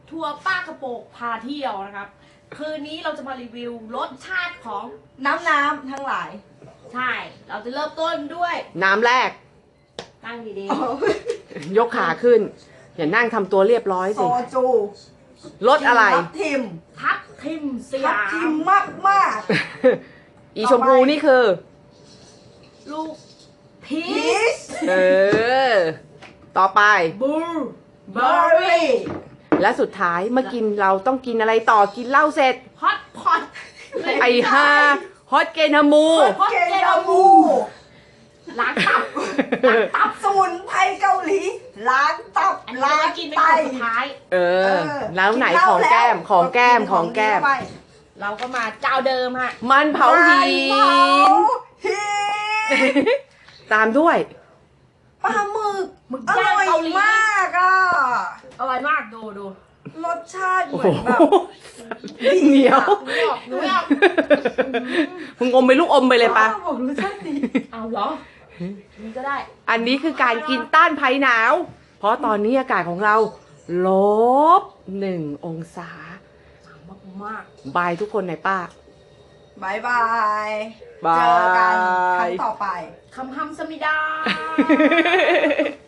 ทัวร์ป้ากระโปกพาเที่ยวนะครับ คืนนี้เราจะมารีวิวรสชาติของน้ำทั้งหลายใช่ เราจะเริ่มต้นด้วยน้ำแรกนั่งดียกขาขึ้น อย่านั่งทำตัวเรียบร้อยโซสิจูรสอะไรทับทิมๆทับทิมสทับยาทิมมมากอีชมพูนี่คือลูกพีพีชชเออ ต่อไปบูร์เบอร์รี่และสุดท้ายเมื่อกินเราต้องกินอะไรต่อกินเหล้าเสร็จฮอตพอตไอ้ฮาฮอตเกนามูฮอตเกเกนนามูมูล้างตับล้างตับสมุนไพรเกาหลีล้างตับอันนี้เราล้างจะกินเป็นไตคนสุดท้ายเออ แล้วไหนของแก้มของแก้มของแก้มเราก็มาเจ้าเดิมฮะมันเผาหิเผาน หินตามด้วยปลาหมึกหมึกอย่าง ร่อยเกาหลีมากอ่ะอร่อยมากดูรสชาติเหโอ้มืโหอนแบบเหนียวหนูไม่เอามึงอมไปลูกอมไปเลยปะบอกรสชาติดีเอาเหรอนี่ก็ได้อันนี้คือการกินต้านภัยหนาว เพราะตอนนี้อากาศของเราลบ1 องศามากบายทุกคนหน่อยป้าบายบายบายเจอกันครั้งต่อไปคำฮัมสมิดา